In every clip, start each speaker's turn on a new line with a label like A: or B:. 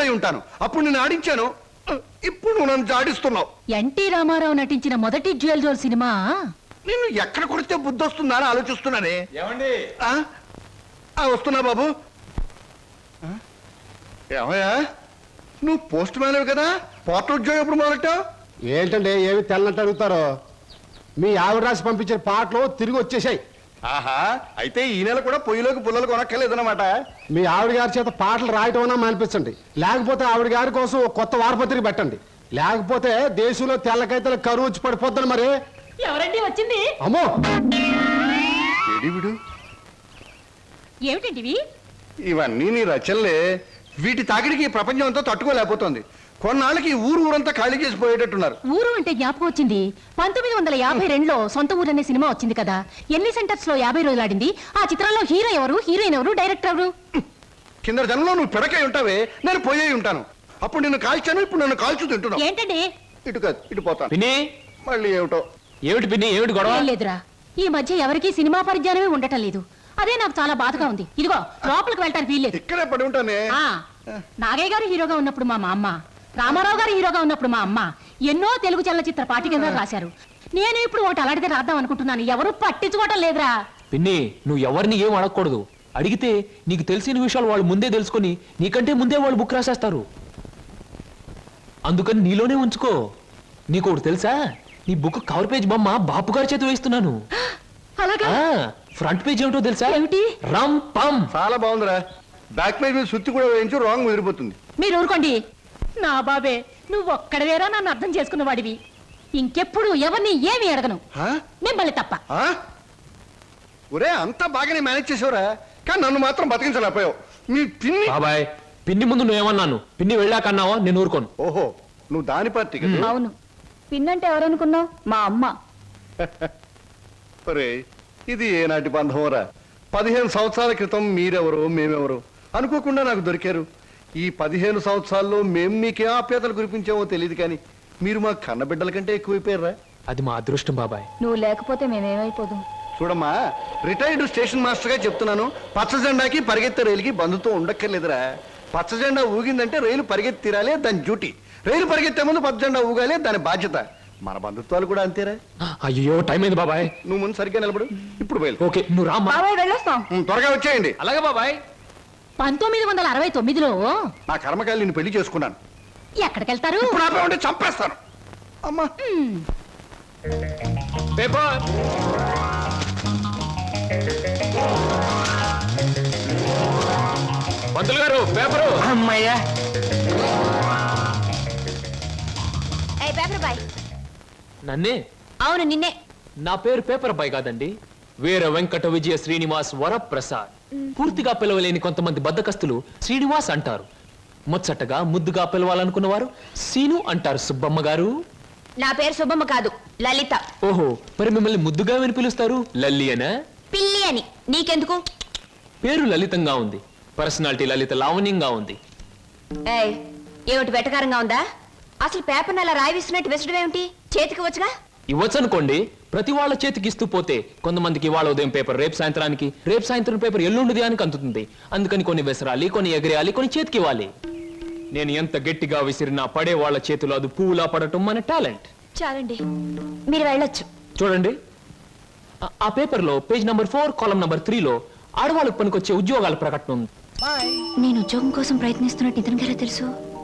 A: ఉంటాను. అప్పుడు నేను ఆడించాను, ఇప్పుడు నువ్వు నన్ను జాడిస్తున్నావు.
B: ఎన్టీ రామారావు నటించిన మొదటి జ్యువెల్ జోల్ సినిమా.
A: నేను ఎక్కడ కొడితే బుద్ధి వస్తుందా అని ఆలోచిస్తున్నానే.
C: ఏమండి?
A: వస్తున్నా బాబు. ఏమయ్యా, నువ్వు పోస్ట్ మ్యాన్ కదా, పోర్ట్ ఉద్యోగం ఎప్పుడు మొదలెట్టావు?
D: ఏంటంటే ఏమి తెల్లనట్టు అడుగుతారో. మీ ఆవిడ రాసి పంపించిన పాటలు తిరిగి వచ్చేసాయి.
A: ఆహా, అయితే ఈ నెల కూడా పొయ్యిలోకి పుల్లలు కొనక్కర్లేదన్నమాట.
D: మీ ఆవిడ గారి చేత పాటలు రాయటం అన్నా మానిపించండి, లేకపోతే ఆవిడ గారి కోసం ఒక కొత్త వారపత్రిక పెట్టండి, లేకపోతే దేశంలో తెల్లకైతే కరువు వచ్చి పడిపోద్దని. మరి
B: ఎవరండి వచ్చింది?
D: అమ్మో,
A: విడు
B: ఏమిటండి
A: ఇవన్నీ నీ రచనలే. వీటి తాకిడికి ప్రపంచం అంతా తట్టుకోలేకపోతుంది. కొన్నాళ్ళకి ఊరంతా ఖాళీ చేసి పోయేటట్టున్నారు.
B: ఊరు అంటే జ్ఞాపకం వచ్చింది. 1952లో సొంత ఊరు అనే సినిమా వచ్చింది కదా. ఎన్ని సెంటర్స్ లో 50 రోజులు ఆడింది. ఆ చిత్రంలో హీరో ఎవరు, హీరోయిన్ ఎవరు, డైరెక్టర్ ఎవరు?
A: కింద జనంలో నువ్వు పిడకై ఉంటావే, నేను పోయే ఉంటాను. అప్పుడు నిన్ను కాల్చాను, ఇప్పుడు నన్ను కాల్చు తింటున్నావు.
B: ఏంటండి?
A: ఇటు కాదు, ఇటు పోతాను.
C: పిన్ని,
A: మళ్ళీ ఏమిటో.
C: ఏమిటి పిన్ని, ఏమిటి గొడవ?
B: లేదురా, ఈ మధ్య ఎవరికి సినిమా పరిజ్ఞానమే ఉండటం లేదు. అదే నాకు చాలా బాధగా ఉంది. ఇదిగో లోపలికి వెళ్ళటానికి వీల్లేదు.
A: ఇక్కడే పడి ఉంటానే.
B: నాగయ్య గారు హీరోగా ఉన్నప్పుడు మా అమ్మ, రామారావు గారు హీరోగా ఉన్నప్పుడు మా అమ్మ ఎన్నో తెలుగు చలనచిత్ర పాఠ్యగ్రంథాలు రాశారు. నేను ఇప్పుడు ఒకటి అలాంటిదే రాద్దాం అనుకుంటున్నాను. ఎవరు పట్టించుకోవటం లేదురా.
C: పిన్ని, నువ్వు ఎవరిని ఏం అడగకూడదు. అడిగితే నీకు తెలిసిన విషయాలు వాళ్ళు ముందే తెలుసుకొని నీకంటే ముందే వాళ్ళు బుక్ రాసేస్తారు. అందుకని నీలోనే ఉంచుకో. నీకు ఒకటి తెలుసా, నీ బుక్ కవర్ పేజ్ బొమ్మ బాపు గారి చేతి వేస్తున్నాను. ఫ్రంట్ పేజ్ ఏమిటో తెలుసా?
B: ఏమిటి?
C: రమ్ పమ్.
A: చాలా బాగుందిరా. బ్యాక్ పేజ్ మీద సుత్తి కూడా వేయించు, రాంగ్ ముదిరిపోతుంది.
B: మీరు ఊరుకోండి. నా బాబే, నువ్వు ఒక్కడవేరా నన్ను అర్థం చేసుకున్న వాడివి. ఇంకెప్పుడు ఎవరిని ఏమి అడగను, మిమ్మల్ని తప్ప.
A: ఒరే, అంతా బాగానే మేనేజ్ చేసేవరా, కానీ నన్ను మాత్రం బతికించలేకపోయావు. మీ పిన్ని.
C: బాబాయ్, పిన్ని ముందు నువ్వేమన్నాను, పిన్ని వెళ్ళాకన్నావా? నేను ఊరుకోను.
A: ఓహో, నువ్వు దాని పార్టీ కదా.
B: అవును, పిన్నంటే ఎవరనుకున్నావు? మా అమ్మ.
A: ఒరే, ఇది ఏనాటి బంధమోరా. 15 సంవత్సరాల క్రితం మీరెవరు మేమెవరు అనుకోకుండా నాకు దొరికారు. ఈ 15 సంవత్సరాల్లో మేము మీకే ఆప్యాతలు కురిపించామో తెలియదు, కానీ మీరు మా కన్నబిడ్డల కంటే ఎక్కువైపోయారా.
C: అది మా అదృష్టం బాబాయ్.
B: నువ్వు లేకపోతే మేమేమైపోదాం.
A: చూడమ్మా, రిటైర్డ్ స్టేషన్ మాస్టర్ గా చెప్తున్నాను, పచ్చ జెండాకి పరిగెత్తే రైలుకి బంధుతో ఉండక్కర్లేదురా. పచ్చ జెండా ఊగిందంటే రైలు పరిగెత్తి తీరాలే, దాని డ్యూటీ. రైలు పరిగెత్తే ముందు పచ్చ జెండా ఊగాలే, దాని బాధ్యత. మన బంధుత్వాలు కూడా అంతేరా.
C: అయ్యో, టైం అయింది బాబాయ్.
A: నువ్వు ముందు సరిగ్గా నిలబడు, ఇప్పుడు బయలు.
C: ఓకే, నువ్వు రామ్మా.
A: త్వరగా వచ్చేయండి.
C: అలాగే బాబాయ్.
B: 1969లో
A: నా కర్మకాయలు నిన్ను పెళ్లి చేసుకున్నాను.
B: ఎక్కడికెళ్తారు?
A: ఇప్పుడు ఆపే ఉంటే చంపేస్తాను. అమ్మా,
C: పేపర్. పంతులు గారు, పేపరు.
E: అమ్మయ్యా.
C: నన్నే?
B: అవును, నిన్నే.
C: నా పేరు పేపర్ బాయ్ కాదండి, వీర వెంకట విజయ శ్రీనివాస్ వరప్రసాద్. పూర్తిగా పిలవలేని కొంతమంది బద్దకస్తులు శ్రీనివాస్ అంటారు. ముచ్చటగా ముద్దుగా పిలవాలనుకున్న వారు సీను అంటారు. సుబ్బమ్మ గారు.
B: నా పేరు సుబ్బమ్మ కాదు, లలిత.
C: ఓహో, మరి మిమ్మల్ని ముద్దుగా విని పిలుస్తారు లల్లి అనా?
B: పిల్లి అని. నీకెందుకు?
C: పేరు లలితంగా ఉంది, పర్సనాలిటీ లలిత లావణ్యంగా ఉంది.
B: ఏమిటి వెటకారంగా ఉందా? అసలు పేపర్ అలా రాయిస్తున్నట్టు విసడం ఏమిటి? చేతికి వచ్చుగా.
C: ఇవ్వచ్చనుకోండి, ప్రతి వాళ్ళ చేతికి ఇస్తూ పోతే కొంతమందికి వాళ్ళ ఉదయం పేపర్ రేపు సాయంత్రానికి, రేపు సాయంత్రం పేపర్ ఎల్లుండి అని అందుతుంది. అందుకని కొన్ని విసరాలి, కొన్ని ఎగరేయాలి, కొన్ని చేతికి ఇవ్వాలి. నేను ఎంత గట్టిగా విసిరినా పడే వాళ్ళ చేతిలో అది పువ్వులా పడటం మన టాలెంట్.
B: చాలండి, మీరు వెళ్ళొచ్చు.
C: చూడండి, ఆ పేపర్ లో పేజ్ నంబర్ 4 కాలం నంబర్ 3లో ఆడవాళ్ళకు పనికొచ్చే ఉద్యోగాల ప్రకటన ఉంది.
B: నేను ఉద్యోగం కోసం ప్రయత్నిస్తున్నట్టు ఇతనికి ఎలా తెలుసు?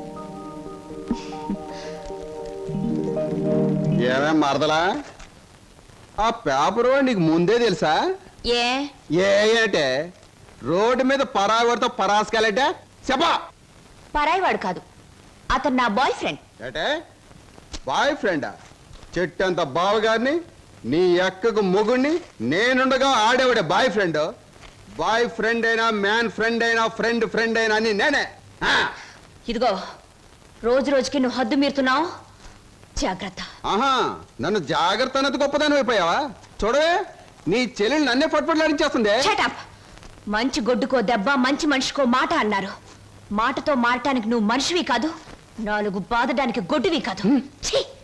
D: ఏమే మరదలా, ఆ పేపరు నీకు ముందే తెలుసా? ఏంటే రోడ్డు మీద పరాయివాడితో పరాసుకెళ్ళటే చెప్పా.
B: పరాయివాడు కాదు, అతను నా బాయ్ ఫ్రెండ్.
D: ఏటే బాయ్ ఫ్రెండా? చెట్టంత బావగారిని, నీ ఎక్కకు మొగుడిని, నేనుండగా ఆడేవాడే బాయ్ ఫ్రెండ్. బాయ్ ఫ్రెండ్ అయినా, మ్యాన్ ఫ్రెండ్ అయినా, ఫ్రెండ్ అయినా అని నేనే.
B: ఇదిగో, రోజు రోజుకి నువ్వు హద్దు మీరుతున్నావు, జాగ్రత్త.
D: ఆహా, నన్ను జాగ్రత్త అన్నది గొప్పదాని అయిపోయావా? చూడవే, నీ చెల్లెలు నన్నే పట్టుపట్లాడించేస్తుంది.
B: మంచి గొడ్డుకో దెబ్బ, మంచి మనిషికో మాట అన్నారు. మాటతో మారటానికి నువ్వు మనిషివి కాదు, 4 బాదడానికి గొడ్డువి కాదు.